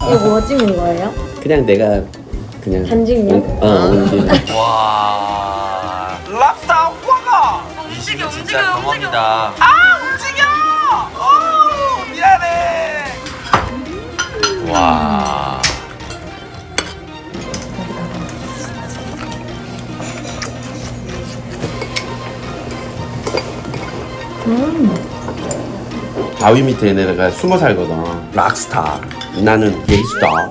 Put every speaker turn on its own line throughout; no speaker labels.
이거 뭐 찍는 거예요?
그냥 내가 그냥
간직요?
옮기는.
와. 랍스터 화가.
움직여,
진짜
움직여,
경험이다. 아 움직여. 오 미안해. 와.
바위 밑에 얘네가 숨어 살거든. 락스타. 나는 게이스타.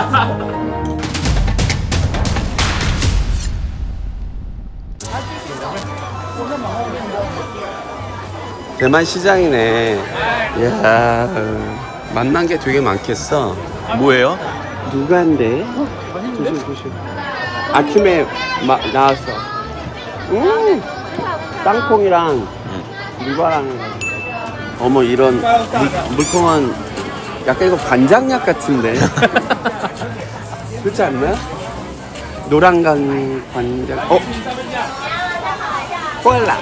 대만 시장이네. 이야, 만난 게 되게 많겠어.
뭐예요?
누가인데? 조심 조심. 아침에 나왔어. 땅콩이랑 물바랑. 어머 이런 물통은 약간 이거 간장약 같은데. 그렇지 않나? 노란간 간장. 콜라.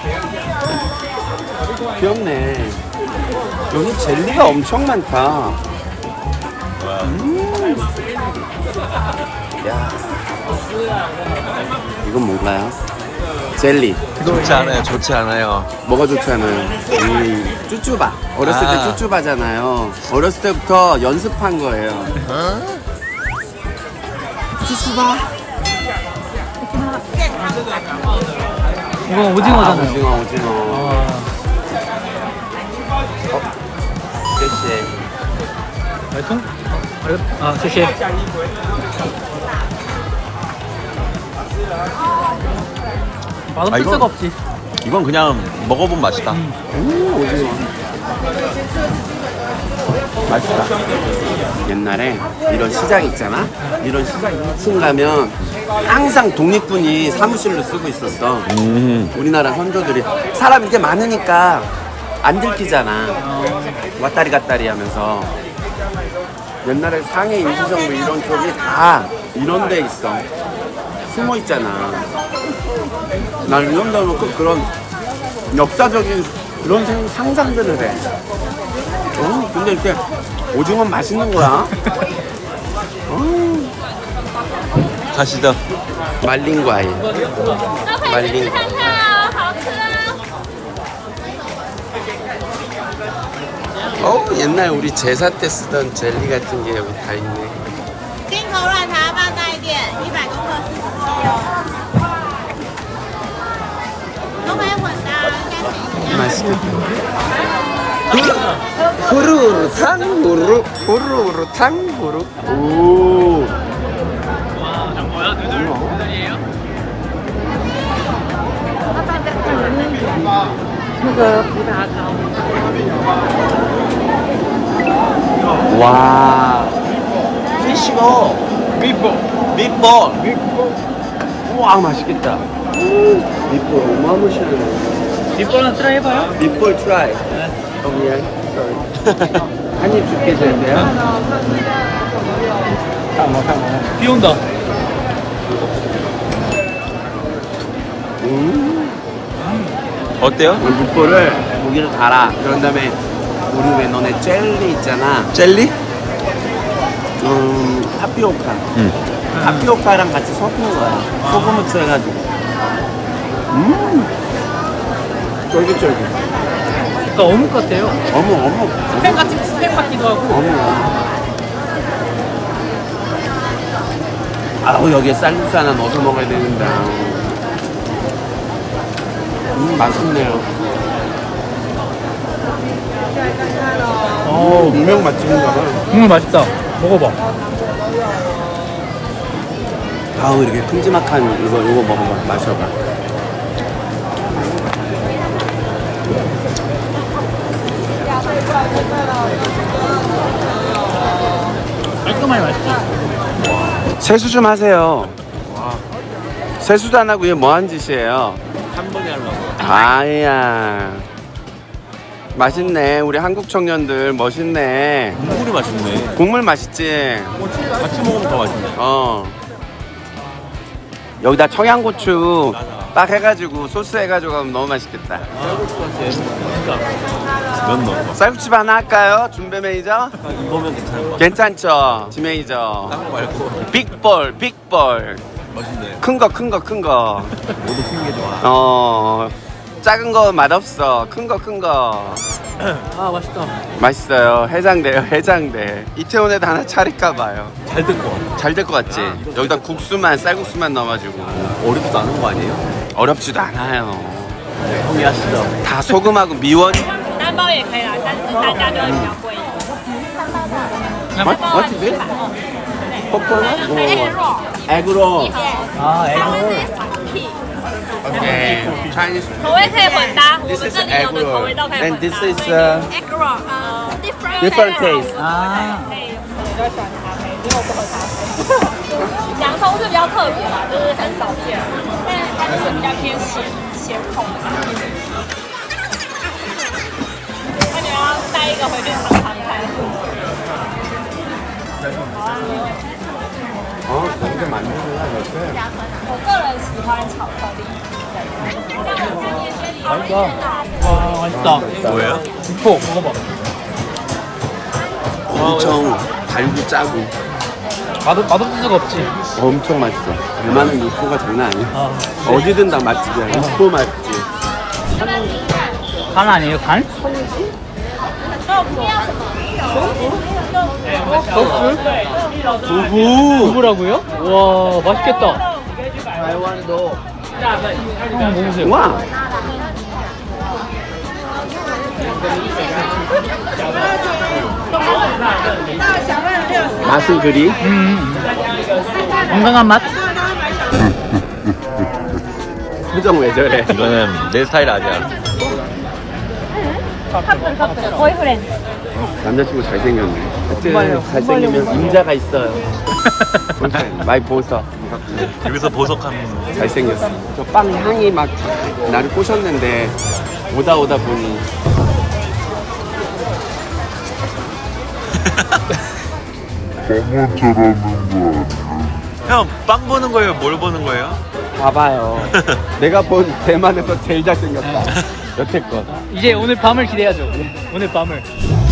귀엽네. 여기 젤리가 엄청 많다. 야. 이건 뭔가요? 젤리.
좋지 않아요. 좋지 않아요.
뭐가 좋지 않아요? 쭈쭈바. 어렸을 때 쭈쭈바잖아요. 어렸을 때부터 연습한 거예요. 쭈쭈바.
이거 오징어잖아요.
오징어. 쎄쎄.
买通，啊，谢谢。 맛없을
이건-
수가 없지.
이건 그냥 먹어본 맛이다.
오징어. 맛있다. 옛날에 이런 시장 있잖아? 이런 시장 2층 가면 항상 독립군이 사무실로 쓰고 있었어. 우리나라 선조들이. 사람 이렇게 많으니까 안 들키잖아. 왔다리 갔다리 하면서. 옛날에 상해 임시정부 이런 쪽이 다 이런 데 있어. 숨어 있잖아. 난 이런 데 놓고 그런 역사적인 그런 상상들을 해. 근데 이렇게 오징어 맛있는 거야.
가시죠.
말린 과일. 말린 과일. 옛날 우리 제사 때 쓰던 젤리 같은 게 여기 다 있네.
金口软糖要不要大一点？100公克47哦。都没混的，应该是一样。
맛있겠다. 후루루 탕후루 후루루 탕후루. 오. 와.
피시버. 밑볼.
우와 맛있겠다. 밑볼 어마무시하네.
뒷번호 트라이 해봐요.
밑볼 트라이. 미안. sorry. 한입 줄게 되는데요.
비 온다.
어때요?
밑볼을 고기를 갈아. 그런 다음에 우리 왜 너네 젤리 있잖아.
젤리?
타피오카. 타피오카랑 같이 섞는 거야. 소금 후추해가지고. 쫄깃쫄깃.
그러니까 어묵 같아요.
어묵.
스팸 같기도 하고.
어묵. 아우 여기에 쌀국수 하나 넣어서 먹어야 되는데. 맛있네요. 유명 맛집인가 봐.
맛있다. 먹어봐.
아우 이렇게 큼지막한 이거 먹어봐. 마셔봐.
깔끔하게 맛있지.
세수 좀 하세요. 세수도 안 하고 이게 뭐하는 짓이에요?
한 번에 하려고.
아야 맛있네. 우리 한국 청년들 멋있네.
국물이 맛있네.
국물 맛있지?
같이 먹으면 더 맛있네.
여기다 청양고추 빡 해가지고 소스 해가지고 하면 너무 맛있겠다.
면 넣어.
쌀국집 하나 할까요? 준배 매니저?
이거면 괜찮을 것 같아.
괜찮죠? 지 매니저.
딴거 말고.
빅볼, 빅볼.
맛있네.
큰 거, 큰 거, 큰 거.
모두 큰 게 좋아.
작은 거 맛없어. 큰 거, 큰 거.
아 맛있다.
맛있어요. 해장돼요, 해장돼. 이태원에도 하나 차릴까 봐요.
잘 될 것 같아.
잘 될 것 같지? 여기다 국수만, 쌀국수만 넣어가지고.
어렵지도 않은 거 아니에요?
어렵지도 않아요.
형이 하시죠.
다 소금하고 미원.
单包也可以啦，但是单价就会比较贵一点。
What is it? 에그로.
아 에그.
Okay. Chinese.
口味可以混搭，我
This
们
is
这里有的口味
egg
都可以
and
混
this
搭。
is
egg roll，
different taste.
啊，
洋葱是比较特别啦，就是很少见，但它就是比较偏咸口的感觉。那你要带一个回去尝尝看。
근데 만두가 이렇게.
我个人喜欢巧克力。
맛있다. 와 맛있다.
뭐예요?
육포 먹어봐.
엄청 달고 짜고
맛없을 수가 없지.
엄청 맛있어. 대만은 육포가 장난 아니야.
아,
어디든 다 맛집이야. 육포 맛집.
간 아니에요 간?
두부.
두부라고요? 와 맛있겠다.
台湾도.
한번 먹으세요.
와. 맛은 그리.
건강한 맛.
표정 왜 저래?
이거는 내 스타일 아니야.
보이프렌드.
남자친구 잘생겼네.
정말요?
잘생기면 임자가 있어요. 많이 보석.
여기서 보석하는.
잘생겼어. 저 빵 향이 막 나를 꼬셨는데 오다 보니
형, 빵 보는 거예요? 뭘 보는 거예요?
봐봐요. 내가 본 대만에서 제일 잘생겼다. 여태껏.
이제 오늘 밤을 기대하죠. 오늘 밤을.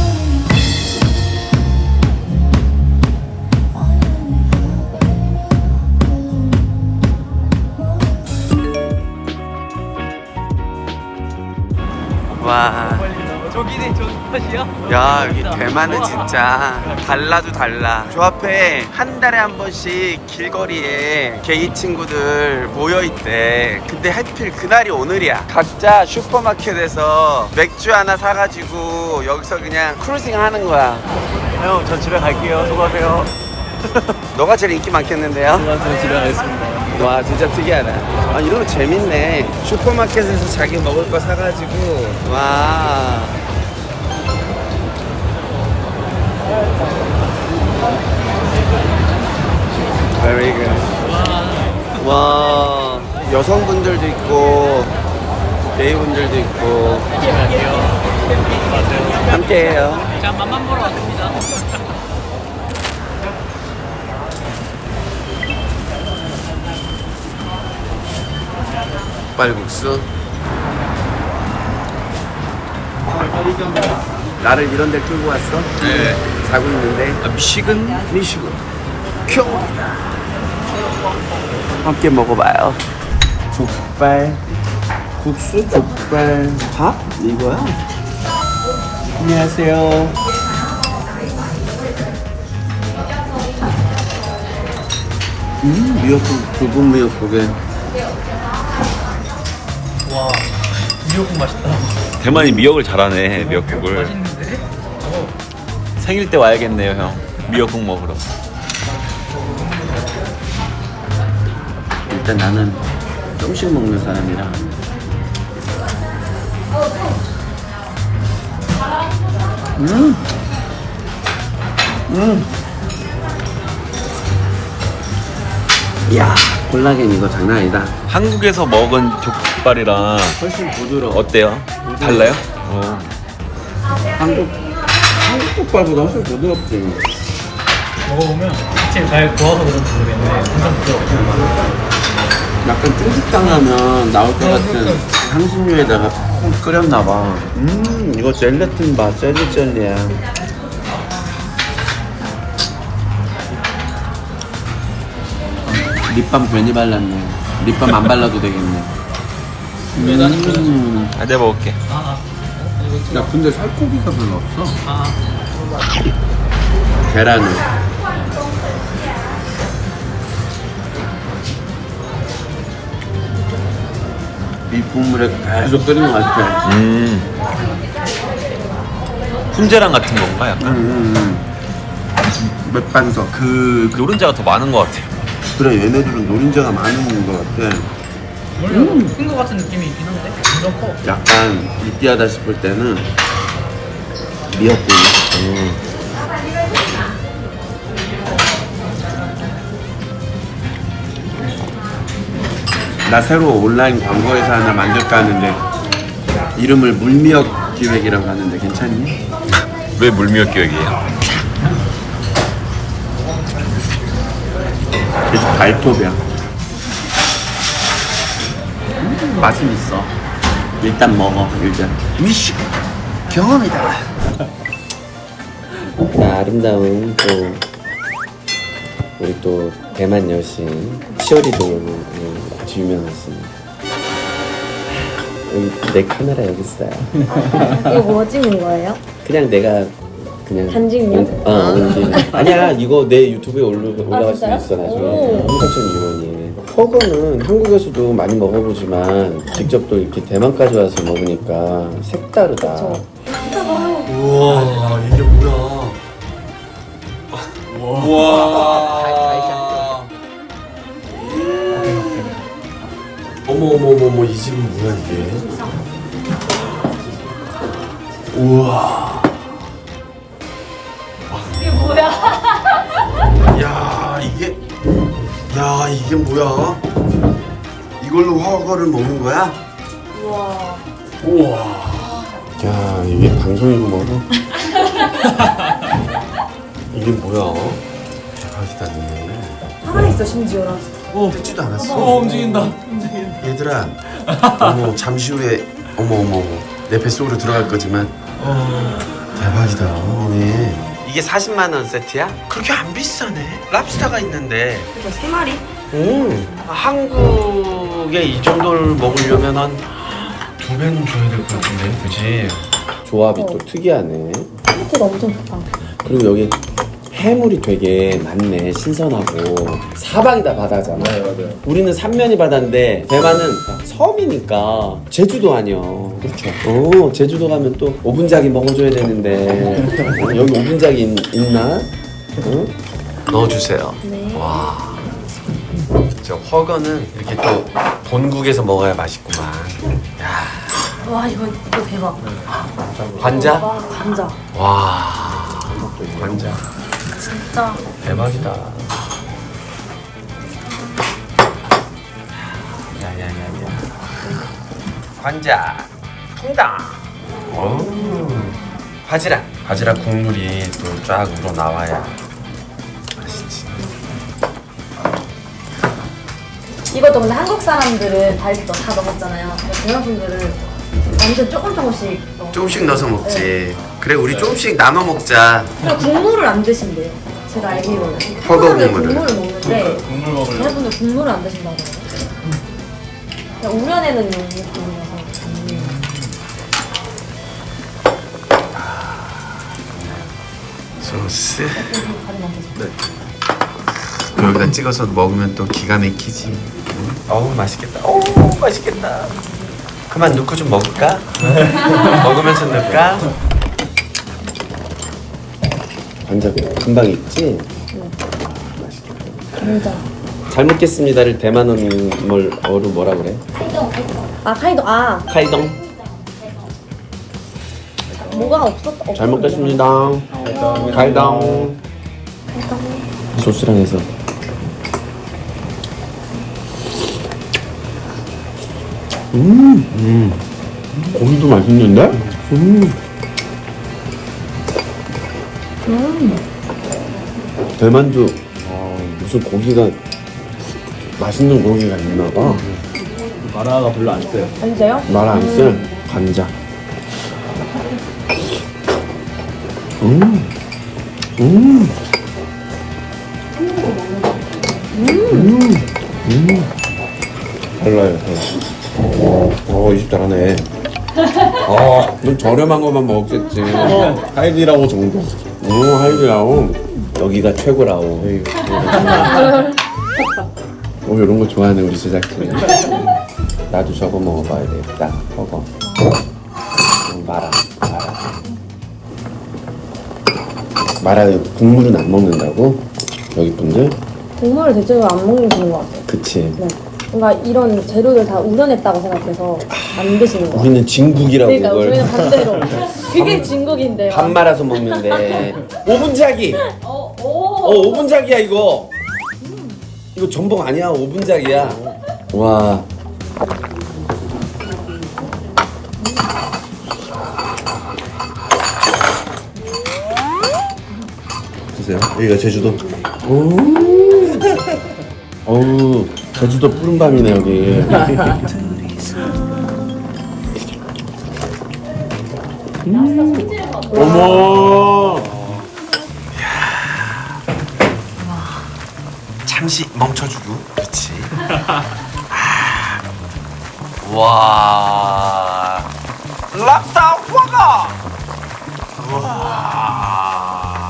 와.
저기네 저 탓이야?
야, 여기 대만은 진짜 달라도 달라. 저 앞에 한 달에 한 번씩 길거리에 게이 친구들 모여있대. 근데 하필 그날이 오늘이야. 각자 슈퍼마켓에서 맥주 하나 사가지고 여기서 그냥 크루징 하는 거야.
형, 저 집에 갈게요. 수고하세요.
너가 제일 인기 많겠는데요?
저 집에 가겠습니다.
와, 진짜 특이하다. 아, 이런 거 재밌네. 슈퍼마켓에서 자기 먹을 거 사가지고. 와. Very good. 와, 여성분들도 있고, 게이분들도 있고. 함께해요.
자 맛만 보러 왔습니다.
족발국수. 나를 이런 데 끌고 왔어?
네.
자고 있는데.
미식은?
미식은 큐다. 함께 먹어봐요. 족발 국수, 족발 밥 이거야. 안녕하세요. 미역국, 붉은 미역국에.
와 미역국 맛있다.
대만이 미역을 잘하네, 미역국을.
맛있는데?
생일 때 와야겠네요, 형. 미역국 먹으러.
일단 나는 조금씩 먹는 사람이라. 이야, 콜라겐 이거 장난 아니다.
한국에서 먹은 족발이랑
훨씬 부드러워.
어때요? 달라요?
한국 족발보다 훨씬 부드럽지.
먹어보면 진짜 잘 구워서 그런지 모르겠는데 엄청 부드러워.
약간 중식당 하면 나올 것 같은 향신료에다가 푹 끓였나봐. 이거 젤라틴 봐. 젤리야. 립밤 괜히 발랐네. 립밤 안 발라도 되겠네.
아, 내가 먹을게.
야, 근데 살코기가 별로 없어.
아,
계란을. 이 국물에 계속 끓이는 것 같아.
훈제랑 같은 건가 약간?
맥반석.
노른자가 더 많은 것 같아요.
그래, 얘네들은 노린자가 많은 것 같아.
원래 큰거 같은 느낌이 있긴 한데 완전 커.
약간 느끼하다 싶을 때는 미역국. 나 새로 온라인 광고회사 하나 만들까 하는데 이름을 물미역 기획이라고 하는데 괜찮니?
왜 물미역 기획이에요?
계속 발톱이야. 맛은 있어. 일단 먹어. 일단 미식 경험이다. 자, 아름다운 또 우리 또 대만 여신 시오리도 아주 유명하신. 여기 내 카메라 여기 있어요.
이거 뭐 찍는 거예요?
그냥 내가 그냥
간직요?
옮긴. 아니야, 이거 내 유튜브에 올라갈 수
진짜요?
있어 나중에.
오.
홍사천 이원이. 허거는 한국에서도 많이 먹어보지만 직접 또 이렇게 대만까지 와서 먹으니까 색다르다.
그쵸.
우와, 이게 뭐야?
우와.
어머, 이 집은 뭐야 이게? 우와.
이게 뭐야?
야, 이게 뭐야? 이걸로 허거를 먹는 거야? 우와. 야, 이게 방송이고 뭐고? 이게 뭐야? 대박이다, 니네.
살아있어 심지어.
듣지도 않았어.
움직인다.
얘들아, 어머, 잠시 후에 어머, 내 뱃속으로 들어갈 거지만 대박이다, 니네. 이게 40만 원 세트야? 그렇게 안 비싸네. 랍스타가 있는데.
이거 3마리?
한국에 이 정도를 먹으려면 한 2배는 줘야 될 것 같은데, 그치? 조합이 또 특이하네.
토마토가 엄청 좋다.
그리고 여기 해물이 되게 많네. 신선하고. 사방이 다 바다잖아. 네, 맞아요. 우리는 삼면이 바다인데 대만은 섬이니까 제주도 아니야. 그렇죠. 제주도 가면 또 오분작이 먹어줘야 되는데 여기 오분작이 있나? 응? 넣어주세요.
네.
와. 저 허거는 이렇게 또 본국에서 먹어야 맛있구만. 야.
와 이거 대박.
관자?
와 감자.
와. 관자.
진짜.
대박이다. 야야야야. 관자. 통당. 바지락 국물이 또 쫙 우러 나와야 맛있지.
이것도 근데 한국 사람들은 다 이렇게 다 넣었잖아요. 대만 분들은 완전 조금씩 넣어.
조금씩 넣어서 먹지. 그래, 우리 조금씩 나눠 먹자.
그리고 국물을 안 드신대요. 제가 알기로는.
허거
한국은
국물을.
국물을 먹는데 대만 분들 국물을 안 드신다고 하더라고요. 그냥 우려내는 용이라서.
소스. 여기다 찍어서 먹으면 또 기가 막히지. 어우, 맛있겠다. 어우, 맛있겠다. 그만 넣고 좀 먹을까? 먹으면서 넣을까? 관자 금방 익지?
감자.
잘 먹겠습니다를 대만어로 뭐라 그래?
아 카이동. 아
카이동.
뭐가 없었다.
잘 먹겠습니다. 카이동. 소스랑 해서. 고기도 맛있는데? 대만도 무슨 고기가 맛있는 고기가 있나 봐.
마라가 별로 안 써요.
아니세요?
말 안 쓸 간장. 달라요. 이 집 잘하네. 넌 저렴한 것만 먹겠지. 하이디라오 정도. 하이디라오. 여기가 최고라오. 이런 거 좋아하네 우리 제작진. 나도 저거 먹어봐야 되겠다. 저거. 마라 국물은 안 먹는다고? 여기 분들?
국물을 대체로 안 먹는 것 같아요.
그치.
네. 뭔가 이런 재료를 다 우려냈다고 생각해서 안 드시는 것 같아요.
우리는 진국이라고
그러니까
그걸.
저희는 반대로 그게 진국인데.
밥 말아서 먹는데. 오분짜기. 오분짜기야 이거. 이거 전복 아니야. 오분짜기야. 와. 보세요. 여기가 제주도. 어우, 제주도 푸른밤이네 여기. 어머. 잠시 멈춰주고. 그렇지. 와. 랍스터 버거. 와.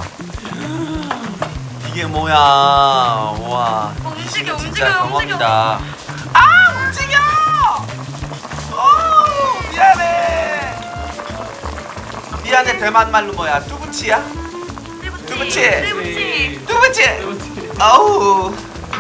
이게 뭐야? 와. 움직여, 진짜 경험이다. 움직여! 미안해. 대만 말로 뭐야? 뚜부치야? 뚜부치. 아우.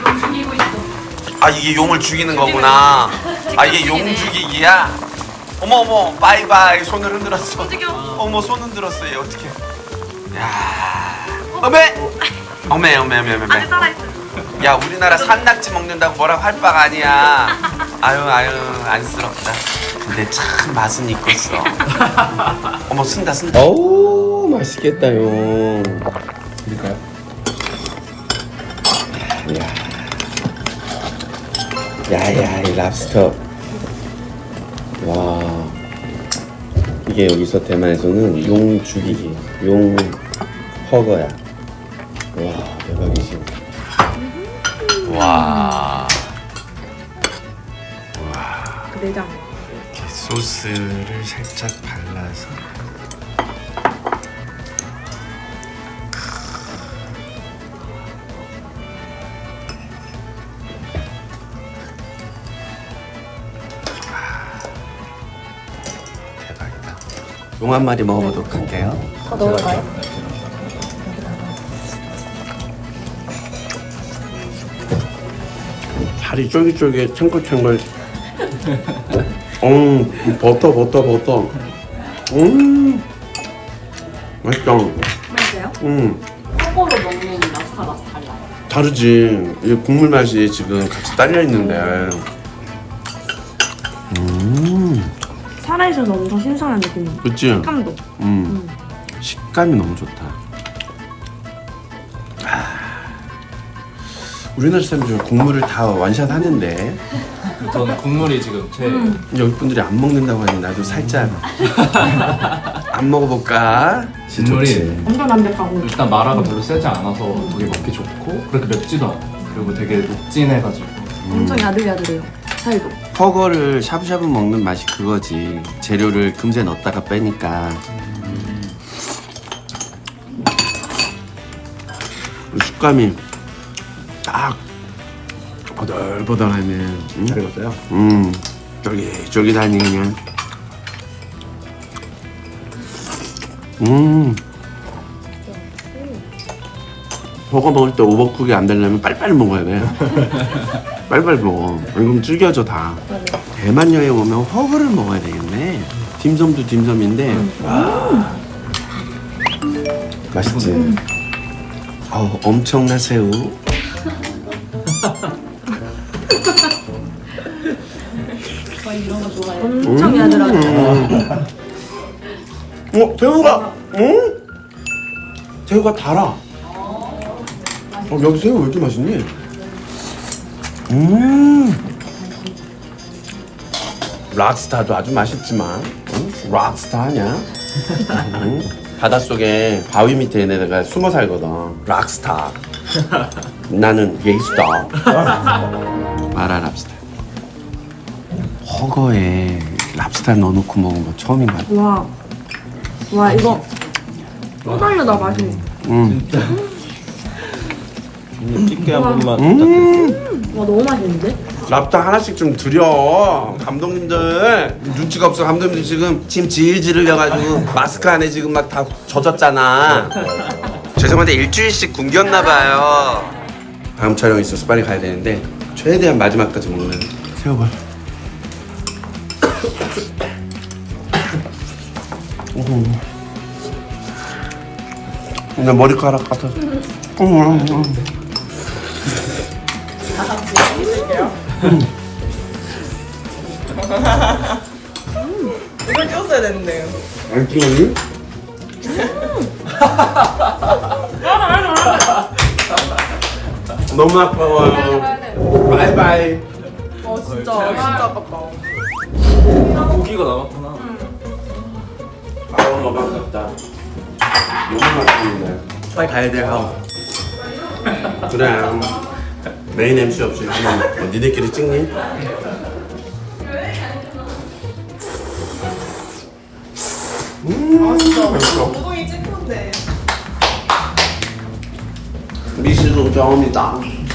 이게 용을 죽이는 거구나. 이게 용 죽이기야? 어머, 바이바이. 손을 흔들었어. 어머, 손 흔들었어. 얘 어떡해. 야. 어메. 야, 우리나라 산낙지 먹는다고 뭐라고 할 바가 아니야. 아유, 안쓰럽다. 근데 참 맛은 있겠어. 어머, 쓴다. 어우, 맛있겠다요.
드릴까요?
야야, 이 랍스터. 와. 이게 여기서 대만에서는 용 죽이기, 용 허거야. 와, 대박이지. 와.
그 내장.
이렇게 소스를 살짝 발라서. 대박이다. 용 한 마리 먹어보도록 할게요.
더 넣을까요?
살이 쫄깃쫄깃 탱글탱글. 버터. 맛있다.
맛있어요?
거꾸로 먹는 랍스터 맛 달라요.
다르지. 이 국물 맛이 지금 같이 딸려 있는데.
살아있어서 엄청 신선한 느낌이에요.
그치?
식감도.
식감이 너무 좋다. 우리나라 사람들 국물을 다 완샷 하는데
저는 국물이 지금 제일
여기 분들이 안 먹는다고 하니 나도 살짝 안 먹어볼까?
국물이
엄청 담백하고.
일단 마라가 별로 세지 않아서 되게 먹기 좋고 그렇게 맵지도 않고 그리고 되게 녹진해가지고
엄청 야들야들해요. 살도.
허거를 샤브샤브 먹는 맛이 그거지. 재료를 금세 넣었다가 빼니까. 식감이 딱 버들버들하네.
잘 익었어요?
쫄깃쫄깃하니 그냥. 버거 먹을 때 오버쿡이 안 되려면 빨리빨리 먹어야 돼. 빨리빨리 먹어. 그럼 질겨져 다. 대만 여행 오면 허거를 먹어야 되겠네. 딤섬도 딤섬인데. 맛있지? 엄청난 새우.
엄청 야들하고.
새우가, 새우가 달아. 여기 새우 왜 이렇게 맛있니? 락스타도 아주 맛있지만 락스타 아냐? 바닷속에 바위 밑에 얘네가 숨어 살거든. 락스타. 나는 게이스타. 마라 랍스타. 허거에 랍스타 넣어놓고 먹은 거 처음인 것 같아.
와 이거 또 달려다 맛있네.
집게 한 번만
와 너무 맛있는데?
랍스타 하나씩 좀 드려. 감독님들 눈치가 없어. 감독님들 지금 침 질질 흘려가지고 마스크 안에 지금 막 다 젖었잖아. 죄송한데 일주일씩 굶겼나봐요. 다음 촬영 있어서 빨리 가야 되는데 최대한 마지막까지 먹는 새우볼. 근데 머리카락 같아서.
이걸 찍었어야 되는데요.
안 찍었니? 너무 아까워요. 바이바이.
진짜 아깝다.
고기가 남았구나.
너무 반갑다. 너무 맛있는데. 빨리 가야 돼, 형. 그래. 메인 MC 없이 한번 니네끼리 찍니? 맛있어.
우동이 찍는데.
미식은 처음이다.